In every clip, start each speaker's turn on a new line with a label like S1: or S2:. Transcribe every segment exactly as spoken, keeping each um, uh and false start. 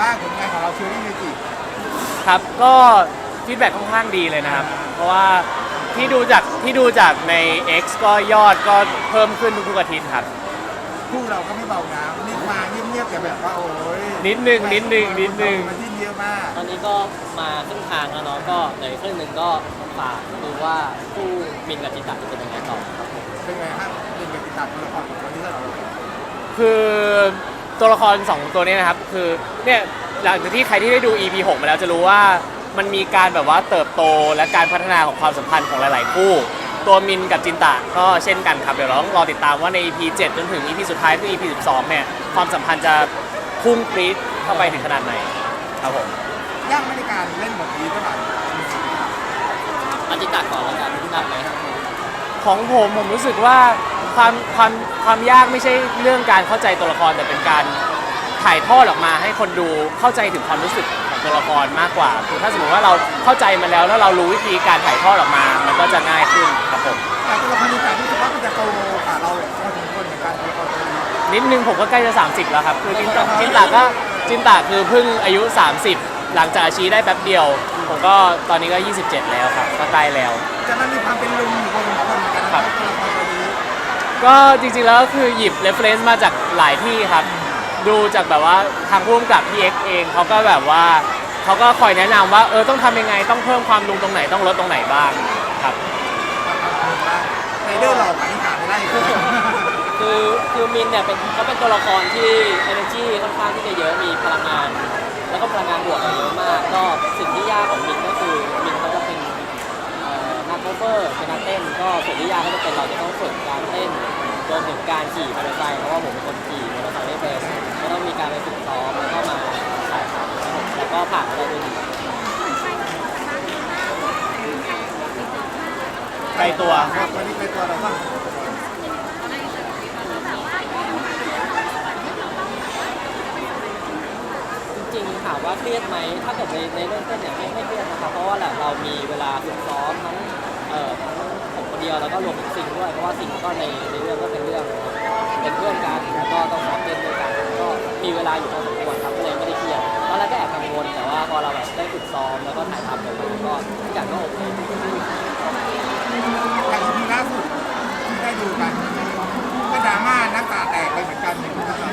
S1: บ้างผลงานของเราเชอรี่เมจิ
S2: ครับก็ฟีดแบ็กค่อนข้างดีเลยนะครับเพราะว่าที่ดูจากที่ดูจากใน X ก็ยอดก็เพิ่มขึ้นทุกๆอาทิตย์ครับ
S1: คู่เราก็ไม่เบานะนี่มาเงียบๆแต่แบบว่าโอ้ย
S2: นิดนึงนิดนึงนิดนึง
S1: มันที่เยอะมาก
S3: ตอนนี้ก็มาครึ่งทางแล้วเนาะก็เหลือครึ่งหนึ่งก็ฝากดูว่าคู่มินกับจิตตะจะเป็นยังไงต่อครับผม
S1: เป็นไงฮะเป็นกับติดตามตัวละครของวันนี้เรา
S2: คือตัวละครสองตัวนี้นะครับคือเนี่ยหลังจากที่ใครที่ได้ดู อี พี หกมาแล้วจะรู้ว่ามันมีการแบบว่าเติบโตและการพัฒนาของความสัมพันธ์ของหลายๆคู่ตัวมินกับจินตะก็เช่นกันครับเดี๋ยวเราต้องรอติดตามว่าใน อี พี เจ็ดจนถึง อี พี สุดท้ายคือ อี พี สิบสองเนี่ยความสัมพันธ์จะพุ่งปรี๊ดเข้าไปถึงขนาดไหนครับผม
S1: ยากไม่ในการเล่นบทนี้เท่าไหร่
S3: อาจิตตะก่อนแล้วกันหนักไหม
S2: ของผมผมรู้สึกว่าความความความยากไม่ใช่เรื่องการเข้าใจตัวละครแต่เป็นการถ่ายทอดออกมาให้คนดูเข้าใจถึงความรู้สึกของตัวละครมากกว่าคือถ้าสมมติว่าเราเข้าใจมันแล้วแล้วเรารู้วิธีการถ่ายทอดออกมามันก็จะง่ายขึ้นครับผม
S1: แต่ตัวละครนี้แต่รู้สึกว่ามันจะโตกว่าเราพอสมควรเหมือนกันตัวละครตัวนี้
S2: นิดนึงผมก็ใกล้จะสามสิบแล้วครับคือจินตะจินตะก็จินตะคือเพิ่งอายุสามสิบหลังจากอาชีได้แป๊บเดียวผมก็ตอนนี้ก็ยี่สิบเจ็ดแล้วครับก็ใกล้แล้ว
S1: จะมันมีความเป็นลุงอยู่พอสมควรเหมือนกันครับตัวละครตัวนี้
S2: ก็จริงๆแล้วก็คือหยิบ reference มาจากหลายที่ครับดูจากแบบว่าทางผู้กำกับพี่เอ็กเองเขาก็แบบว่าเขาก็คอยแนะนำว่าเออต้องทำยังไงต้องเพิ่มความลุงตรงไหนต้องลดตรงไหนบ้างครับ
S1: ในเรื่องเราปฏิบัติได้
S3: คือคือมินเนี่ยเป็นเขาเป็นตัวละครที่ energy ค่อนข้างที่จะเยอะมีพลังงานแล้วก็พลังงานบวกเยอะมากก็สิ่งที่ยากของมินก็คือมินเขาจะเป็นนักโคเวอร์เป็นนักเต้นก็ส่วนที่ยากก็จะเป็นเราจะต้องฝึกการเต้นรวมถึงการขี่มอเตอร์ไซค์เพราะว่าผมเป็นคนขี่มอเตอร์ไซค์ไม่เป็นก็ต้องมีการไปฝึกซ้อมแล้วก็มาถ่ายทำแล้วก็ผ่านอะไรด้วย
S2: ไกลตัว
S1: ครับวันนี้ไกลตัวเราบ้าง
S3: จริงๆถามว่าเครียดไหมถ้าเกิดในในเรื่องเต้นเนี่ยไม่ไม่เครียดนะครับเพราะว่าแหละเรามีเวลาฝึกซ้อมทั้งเอ่อผมคนเดียวแล้วก็รวมถึงซิงด้วยเพราะว่าซิงก็ในในเรื่องก็เป็นเรื่องเป็นเพื่อนกันแล้วก็ต้องซ้อมเต้นด้วยกันก็มีเวลาอยู่พอสมควรครับก็เลยไม่ได้เครียดตอนแรกก็แอบกังวลแต่ว่าพอเราแบบได้ฝึกซ้อมแล้วก็ถ่ายทำกันมาก็ทุกอย่างก็โอเค
S1: อย่างที่ล่าสุดที่ได้ดูกันก็ดราม่าน้ำตาแตกไปเหมือนกันอย่างที่เรา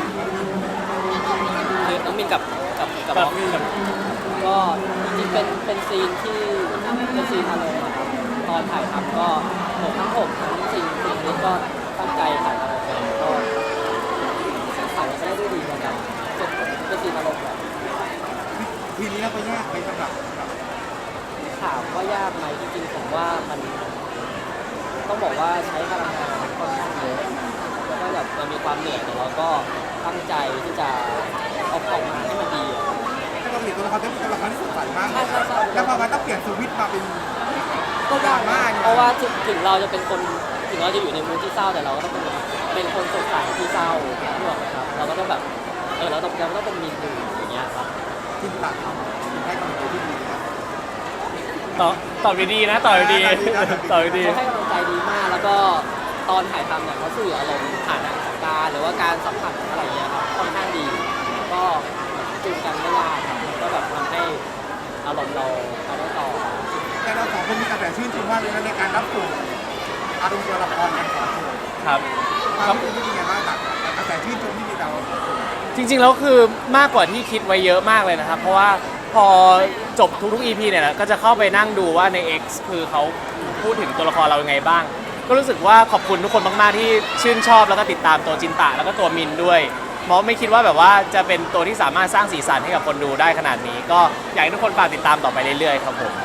S3: คือน้องมินกับกับกับน้องมินก็จริงๆเป็นเป็นซีนที่เป็นซีนอารมณ์นะครับตอนถ่ายทำก็ผมทั้งผมทั้งซีนซีนนี้ก็ตั้งใจถ่ายทำออกมาก็ถ่ายได้ด้วยดีเหมือนกันเป็นซีนอารมณ์แบบ
S1: ทีนี้เราไปแยกไปสำหรับ
S3: ถามว่ายากไหมจริงๆผมว่ามันต้องบอกว่าใช้พลังงานค่อนข้างเยอะแล้วก็แบบมันมีความเหนื่อยแต่เราก็ตั้งใจที่จะเอาออกมาให้มันดี
S1: ถ้าเราเปลี่ยนตัวละครเป็นตัวละครที่สดใสมากแล้วพอมันต้องเปลี่ยนสวิตช์มาเป็น
S3: ก็ดราม่าเพราะว่าถึงเราจะเป็นคนถึงเราจะอยู่ในมูดที่เศร้าแต่เราก็ต้องเป็นเป็นคนสดใสที่เศร้าทั้งหมดครับเราก็ต้องแบบเออเราต้องเราต้องเป็นมีนดูอย่างเงี้ยครับ
S1: ที่ตัดทำให้กำลังใจที่ดี
S2: ต่อต่อไปดีนะต่อไปดีต่อไปดี
S3: เขาให้กำลังใจดีมากแล้วก็ตอนถ่ายทำเนี่ยเขาสื่ออารมณ์ผ่านสายตาหรือว่าการสัมผัสอะไรเงี้ยครับค่อนข้างดีก็จูนกันไม่ยากครับก็แบบทำให้อารมณ์เราไปได้ต่อ
S1: แต่เราสองคนมีกระแสชื่นชมว่าในการรับส่งอารมณ์ตัวละครกันสองคน
S2: ครับ
S1: ความเป็นยังไงบ้างกับกระแสชื่นชมที่มีเรา
S2: จริงๆแล้วคือมากกว่าที่คิดไว้เยอะมากเลยนะครับเพราะว่าพอจบทุกๆ อี พี เนี่ยก็จะเข้าไปนั่งดูว่าใน X คือเขาพูดถึงตัวละครเรายังไงบ้างก็รู้สึกว่าขอบคุณทุกคนมากๆที่ชื่นชอบแล้วก็ติดตามตัวจินตะแล้วก็ตัวมินด้วยเพราะไม่คิดว่าแบบว่าจะเป็นตัวที่สามารถสร้างสีสันให้กับคนดูได้ขนาดนี้ก็อยากให้ทุกคนฝากติดตามต่อไปเรื่อยๆครับผม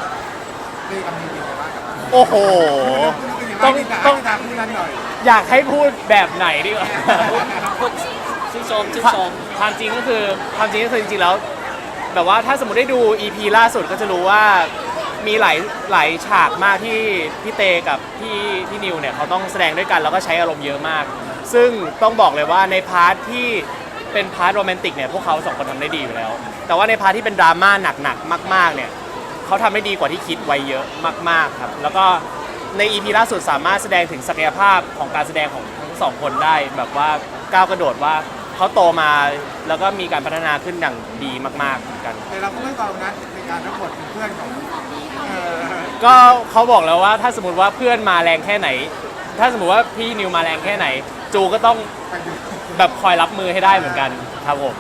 S2: โอ้โห
S1: ต้องต้อง
S2: อยากให้พูดแบบไหนดีกว่า
S3: ชื่นชมชื่นชม
S2: ความจริงก็คือความจริงก็คือจริงๆแล้วแบบว่าถ้าสมมติได้ดู อี พี ล่าสุดก็จะรู้ว่ามีหลายหลายฉากมากที่พี่เตกับพี่พี่นิวเนี่ยเขาต้องแสดงด้วยกันแล้วก็ใช้อารมณ์เยอะมากซึ่งต้องบอกเลยว่าในพาร์ทที่เป็นพาร์ทโรแมนติกเนี่ยพวกเขาสองคนทำได้ดีอยู่แล้วแต่ว่าในพาร์ทที่เป็นดราม่าหนักๆมากๆเนี่ยเขาทำได้ดีกว่าที่คิดไว้เยอะมากๆครับแล้วก็ใน อี พี ล่าสุดสามารถแสดงถึงศักยภาพของการแสดงของทั้งสองคนได้แบบว่าก้าวกระโดดว่าเขาเขาโตมาแล้วก็มีการพัฒนาขึ้นอย่างดีมากๆเหมือนกัน
S1: แต่เราก็ไม่เบานะในการรับบทเป็นเพื่อนของเออ
S2: ก็เขาบอกแล้วว่าถ้าสมมติว่าเพื่อนมาแรงแค่ไหน ถ้าสมมติว่าพี่นิวมาแรงแค่ไหน จูก็ต้อง
S1: ไปดู
S2: แบบคอยรับมือให้ได้เหมือนกันครับผม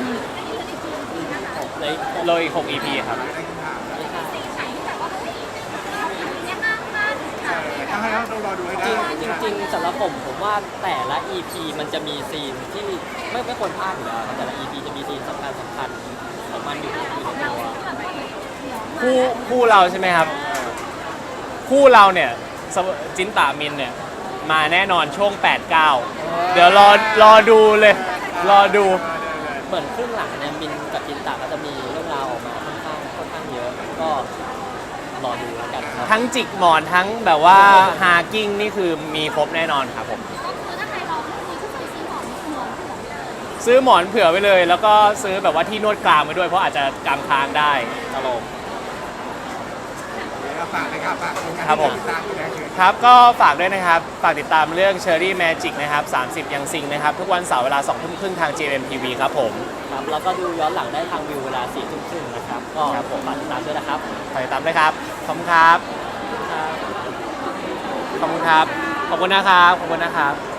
S3: เลย
S2: เลยอีกหก อี พี ครับ
S1: ได้คำถามแล้ว
S4: ไหนที่แบบว่าเฮ้ยเราทำเนี่ยห้ามพลาด
S1: เออต้องให้เราต้องรอดูให้ได้
S3: จริงจริงๆสำหรับผมผมว่าแต่ละ อี พี มันจะมีซีนที่ไม่ไม่ควรพลาดอยู่แล้วครับแต่ละ อี พี จะมีซีนสำคัญสำคัญของมันอยู่อยู่ในตัว
S2: คู่คู่เราใช่ไหมครับ คู่เราเนี่ยสวจินตามินเนี่ยมาแน่นอนช่วง แปด เก้า เดี๋ยวรอรอดูเลย รอดู
S3: เหมือนครึ่งหลังเนี่ยมินกับจินตะก็จะมีเรื่องราวออกมาค่อนข้างค่อนข้างเยอะ ก็รอดูแล้วกันครับ
S2: ทั้งจิกหมอนทั้งแบบว่าฮากิ้งนี่คือมีครบแน่นอนครับผม
S4: ก็คือถ้าใครลองเรื่องนี้ก็เคยซื้อหมอนหมอนหัวเลย
S2: ซื้อหมอนเผื่อไว้เลย แล้วก็ซื้อแบบว่าที่นวดกรามไว้ด้วยเพราะอาจจะกรามค้างได้ตลก
S1: เดี๋ยวเราฝากเลยครับฝากผลงาน
S2: ครับผม
S1: ที่ติดตามอยู่แล้วคือ
S2: ครับก็ฝากด้วยนะครับ ฝากติดตามเรื่อง Cherry Magic นะครับ สามสิบ ยังซิงนะครับ ทุกวันเสาร์เวลาสองทุ่มครึ่งทาง เจ เอ็ม ที วี ครับผม
S3: ครับแล้วก็ดูย้อนหลังได้ทางวิวเวลาสี่ทุ่มครึ่งนะครับ ก็
S2: ครับผม
S3: ฝากติดตามด้วยนะครับ
S2: ฝากติดตามด้วยครับ ขอบคุณครับ ขอบคุณครับ ขอบคุณนะครับ ขอบคุณนะครับ